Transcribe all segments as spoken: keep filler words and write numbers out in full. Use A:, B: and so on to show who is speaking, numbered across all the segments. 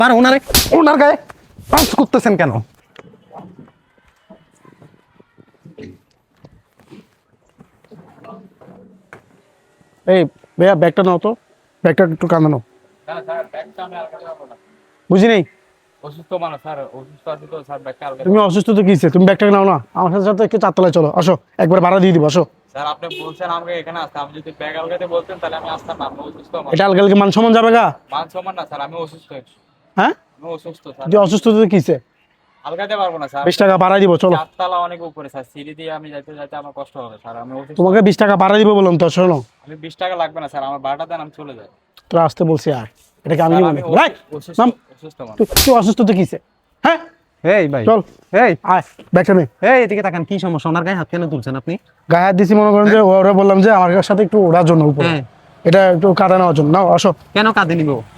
A: পার ওনারে ওনার গায়ে পাঁচ করতেছেন কেন?
B: এই ভাইয়া ব্যাগটা নাও তো, ব্যাগটা একটু কাঁদে নাও। বুঝি নেই
C: অসুস্থ মানুষ স্যার, অসুস্থ আছে তো স্যার, ব্যাগটা আলগা
B: তুমি অসুস্থ তো কিসে, তুমি ব্যাগটা নাও না, আমার সাথে সাথে একটু চারতলায় চলো, আসো একবার ভাড়া দিয়ে দিব, আসো।
C: স্যার আপনি বলছেন আমাকে এখানে আসতে, আমি যদি ব্যাগ আলগাতে বলতেন তাহলে আমি আসতাম না। আমি অসুস্থ মানুষ।
B: এটা আলগালকে মান সম্মান যাবে গা?
C: মান সম্মান না স্যার, আমি অসুস্থ।
B: হ্যাঁ
C: আমি অসুস্থ স্যার,
B: যে অসুস্থ তো কিসে?
C: আলগাতে পারবো না স্যার।
B: বিশ টাকা ভাড়া দিব, চলো।
C: চারতলা অনেক উপরে স্যার, সিঁড়ি দিয়ে আমি যাইতে যাইতে আমার কষ্ট হবে স্যার, আমি অসুস্থ।
B: তোমাকে বিশ টাকা ভাড়া দিব বললাম তো, শোনো।
C: আমি বিশ টাকা লাগবে না স্যার, আমার ভাড়াটা দেন, আমি চলে যাই।
B: তোরা আসতে বলছি আর এটাকে আমি
C: স্যার,
B: মনে
C: আমি
B: করি? ভাই,
C: অসুস্থ,
B: নাম।
C: অসুস্থ মানুষ।
B: তুই তুই অসুস্থ তো কিসে? হ্যাঁ
A: এই ভাই,
B: চল,
A: এই
B: আয় ব্যাগটা নে।
A: এই এদিকে তাকান, কি সমস্যা? ওনার গায়ে হাত কেন তুলছেন আপনি?
B: গায়ে হাত দিছি মনে করেন যে ওরা বললাম যে আমার সাথে একটু ওড়ার জন্য উপরে,
A: হ্যাঁ।
B: এটা একটু কাঁদা নেওয়ার জন্য। নাও আসো।
A: কেন কাঁধে নিবে ও?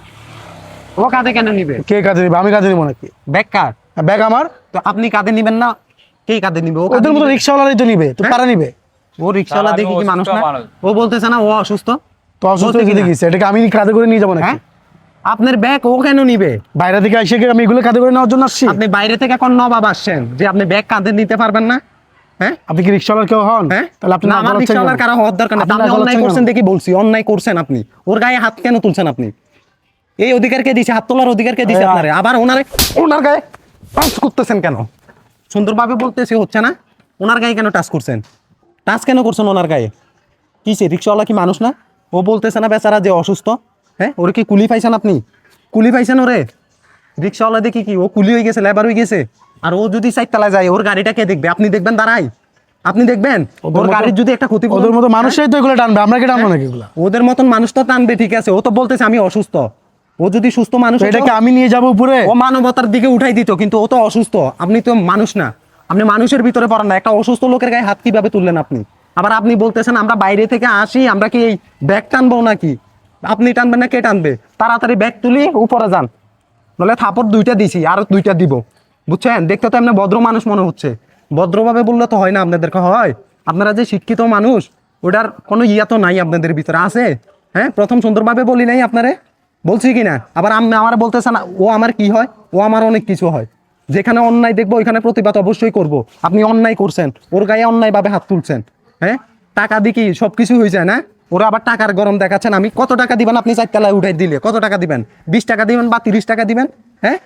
A: ও কাঁধে কেন নিবে?
B: কে কাঁদে নিবে? আমি কাঁদে নিবো নাকি?
A: ব্যাগ কার?
B: ব্যাগ আমার।
A: তো আপনি কাঁধে নিবেন না, কে কাঁধে নিবে? ও কাঁধে
B: ওদের মতো
A: নিবে?
B: রিক্সাওয়ালারই তো নিবে, তো
A: হ্যাঁ?
B: কারা নিবে?
A: ও রিক্সাওয়ালা
C: স্যার, আমি
A: দেখি কি মানুষ
C: অসুস্থ
A: না?
C: মানুষ।
A: ও বলতেছে না ও অসুস্থ?
B: তো অসুস্থ
A: বলতে
B: যদি
A: কিনা?
B: গেছে এটাকে আমি কাঁধে করে নিয়ে যাবো নাকি?
A: হ্যাঁ, আপনার ব্যাগ ও কেন নিবে?
B: বাইরে থেকে এসে কি আমি এগুলো কাঁধে করে নেওয়ার জন্য আসছি?
A: আপনি বাইরে থেকে এখন নবাব আসছেন যে আপনি ব্যাগ কাঁধে নিতে পারবেন না? হ্যাঁ
B: আপনি কি রিক্সাওয়ালার কেউ হন?
A: হ্যাঁ,
B: তাহলে আপনি
A: না,
B: নাক
A: আমার
B: গলাচ্ছেন
A: রিক্সাওয়ালার
B: কেন?
A: কারো হওয়ার দরকার নেই।
B: আপনি
A: আপনি
B: নাক
A: অন্যায়
B: গলাচ্ছেন
A: করছেন
B: কেন?
A: দেখি বলছি, অন্যায় করছেন আপনি। ওর গায়ে হাত কেন তুলছেন আপনি? এই অধিকার কে দিছে? হাত তোলার অধিকার কে দিছে
B: এই,
A: আপনারে? আবার ওনারে ওনার গায়ে টাচ করতেছেন কেন? সুন্দরভাবে বলতেছি, হচ্ছে না? ওনার গায়ে কেন টাচ করছেন? টাচ কেন করছেন ওনার গায়ে? কিসে? রিক্সাওয়ালা কি মানুষ না? ও বলতেছে না বেচারা যে অসুস্থ? হ্যাঁ, ওরে কি কুলি পাইছেন আপনি? কুলি পাইছেন ওরে? রিক্সাওয়ালা দেখি কি ও কুলি হয়ে গেছে, লেবার হয়ে গেছে? আর ও যদি চারতলায় যায়, ওর গাড়িটা কে দেখবে? আপনি দেখবেন দাঁড়াই? আপনি দেখবেন?
B: ওদের
A: ওর
B: মতো-
A: গাড়ির যদি একটা ক্ষতি
B: ওদের মতো মানুষই তো এগুলো টানবে, আমরা কি টানবো নাকি এগুলো?
A: ওদের মতন মানুষ তো টানবে, ঠিক আছে। ও তো বলতেছে আমি অসুস্থ। ও যদি সুস্থ মানুষ
B: তো
A: হতো,
B: এটাকে আমি নিয়ে যাবো উপরে?
A: ও মানবতার দিকে উঠাই দিত, কিন্তু ও তো অসুস্থ। আপনি তো মানুষ না, আপনি মানুষের ভিতরে পড়েন না। একটা অসুস্থ লোকের গায়ে হাত কিভাবে তুললেন আপনি? আবার আপনি বলতেছেন আমরা বাইরে থেকে আসি, আমরা কি এই ব্যাগ টানবো নাকি? আপনি টানবেন না, কে টানবে? তাড়াতাড়ি ব্যাগ তুলি উপরে যান, নাহলে থাপড় দুইটা দিছি, আর দুইটা দিব। বুঝছেন? দেখতে তো এমনি ভদ্র মানুষ মনে হচ্ছে। ভদ্রভাবে বললে তো হয় না আপনাদেরকে, হয়? আপনারা যে শিক্ষিত মানুষ, ওটার কোনো ইয়া তো নাই আপনাদের ভিতরে, আছে? হ্যাঁ, প্রথম সুন্দরভাবে বলি নাই আপনারে? বলছি কি না? আবার আপনি আমার বলতেছেন ও আমার কি হয়? ও আমার অনেক কিছু হয়। যেখানে অন্যায় দেখবো ওইখানে প্রতিবাদ অবশ্যই করব। আপনি অন্যায় করছেন, ওর গায়ে অন্যায়ভাবে হাত তুলছেন। হ্যাঁ, টাকা দিয়ে কি সব কিছু হয়ে যায় না? ওরা আবার টাকার গরম দেখাচ্ছেন। আমি কত টাকা দিবেন? আপনি চারতলায় উঠাই দিলে কত টাকা দিবেন? বিশ টাকা দিবেন বা তিরিশ টাকা দিবেন? হ্যাঁ,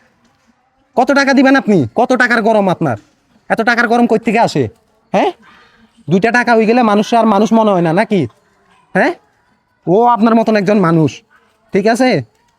A: কত টাকা দিবেন আপনি? কত টাকার গরম আপনার? এত টাকার গরম কই থেকে আসে? হ্যাঁ, দুইটা টাকা হয়ে গেলে মানুষ আর মানুষ মনে হয় না নাকি? হ্যাঁ, ও আপনার মতন একজন মানুষ, ঠিক আছে?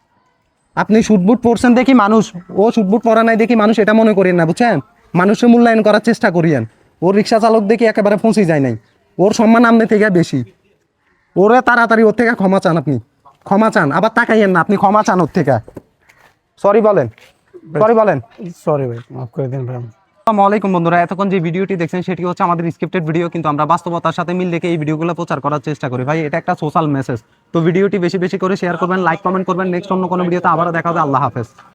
A: আপনি শুটবুট পরছেন দেখি মানুষ, ও শুটবুট পরা নাই দেখি মানুষ, এটা মনে করেন না, বুঝছেন? মানুষের মূল্যায়ন করার চেষ্টা করিয়েন। ওর রিক্সা চালক দেখি একেবারে পৌঁছে যায় নাই। ওর সম্মান আপনি থেকে বেশি। ওরে তাড়াতাড়ি ওর থেকে ক্ষমা চান, আপনি ক্ষমা চান, আবার তাকাইয়েন না, আপনি ক্ষমা চান ওর থেকে। সরি বলেন, সরি বলেন।
B: সরি ভাই, মাফ করে দিন ভাই।
A: আসসালামু আলাইকুম বন্ধুরা, এতক্ষণ যে ভিডিওটি দেখছেন সেটি হচ্ছে আমাদের স্ক্রিপ্টেড ভিডিও, কিন্তু আমরা বাস্তবতার সাথে মিল রেখে এই ভিডিওগুলো প্রচার করার চেষ্টা করি। ভাই, এটা একটা সোশ্যাল মেসেজ। তো ভিডিওটি বেশি বেশি করে শেয়ার করবেন, লাইক কমেন্ট করবেন। নেক্সট অন্য কোনো ভিডিওতে আবারও দেখা হবে। আল্লাহ হাফেজ।